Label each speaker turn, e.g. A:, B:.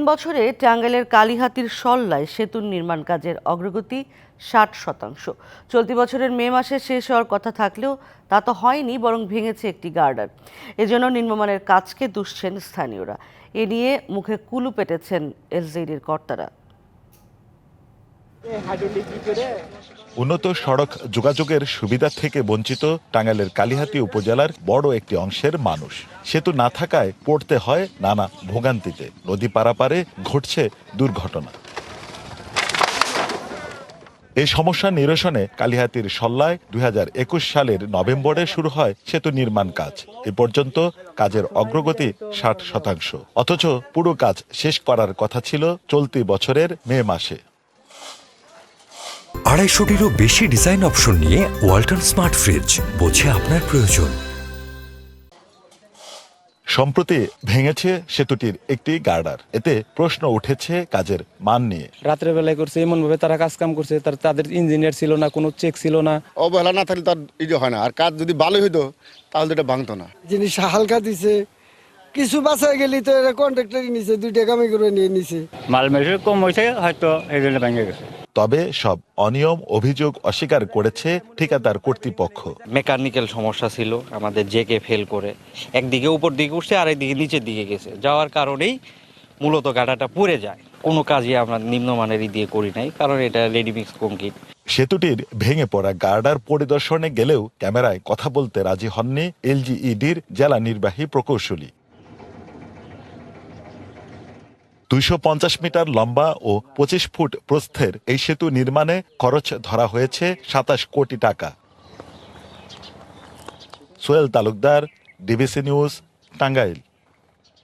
A: বছরে টাঙ্গাইলের কালিহাতীর সল্লায় সেতুর নির্মাণ কাজের অগ্রগতি 60%। চলতি বছরের মে মাসে শেষ হওয়ার কথা থাকলেও তা তো হয়নি, বরং ভেঙেছে একটি গার্ডার। এজন্য নিম্নমানের কাজকে দুষছেন স্থানীয়রা। এ নিয়ে মুখে কুলু পেটেছেন এলজেডির কর্তারা।
B: উন্নত সড়ক যোগাযোগের সুবিধা থেকে বঞ্চিত টাঙ্গাইলের কালিহাতী উপজেলার বড় একটি অংশের মানুষ। সেতু না থাকায় পড়তে হয় নানা ভোগান্তিতে। নদী পারাপারে ঘটছে দুর্ঘটনা। এই সমস্যা নিরসনে কালিহাতীর সল্লায় 2021 সালের নভেম্বরে শুরু হয় সেতু নির্মাণ কাজ। এ পর্যন্ত কাজের অগ্রগতি 60%। অথচ পুরো কাজ শেষ করার কথা ছিল চলতি বছরের মে মাসে।
C: 250-টিরও বেশি ডিজাইন অপশন নিয়ে ওয়ালটন স্মার্ট ফ্রিজ, বোঝে আপনার প্রয়োজন।
B: সম্প্রতি ভেঙেছে সেতুটির একটি গার্ডার। এতে প্রশ্ন উঠেছে কাজের মান নিয়ে।
D: রাতের বেলায় করছে, এমন ভাবে তারা কাজ কাম করছে, তাদের ইঞ্জিনিয়ার ছিল না, কোনো চেক ছিল না।
E: অবহেলা না থাকলে তার হয় না। আর কাজ যদি ভালো হইতো তাহলে এটা ভাঙতো না।
F: জিনিস হালকা দিছে, কিছু বাঁচায় গেলি তো এরা কন্ট্রাক্টরই নিছে, 2 টাকা কামাই করে নিয়ে নিছে।
G: মাল মেশিন কম হয়েছে, হয়তো এই জন্য ভেঙে গেছে।
B: তবে সব অনিয়ম অভিযোগ অস্বীকার করেছে ঠিকাদার কর্তৃপক্ষ।
H: মেকানিক্যাল সমস্যা ছিল, আমাদের জেকে ফেল করে একদিকে উপর দিকে উঠছে আর একদিকে নিচের দিকে গেছে, যাওয়ার কারণেই মূলত গাড়াটা পুড়ে যায়। কোনো কাজই আমরা নিম্নমানের দিয়ে করি নাই, কারণ এটা রেডিমিক্স কংক্রিট।
B: সেতুটির ভেঙে পড়া গার্ডার পরিদর্শনে গেলেও ক্যামেরায় কথা বলতে রাজি হননি এলজিইডির জেলা নির্বাহী প্রকৌশলী। 250 মিটার লম্বা ও 25 ফুট প্রস্থের এই সেতু নির্মাণে খরচ ধরা হয়েছে 27 কোটি টাকা। Sohel Talukdar, DBC news, Tangail.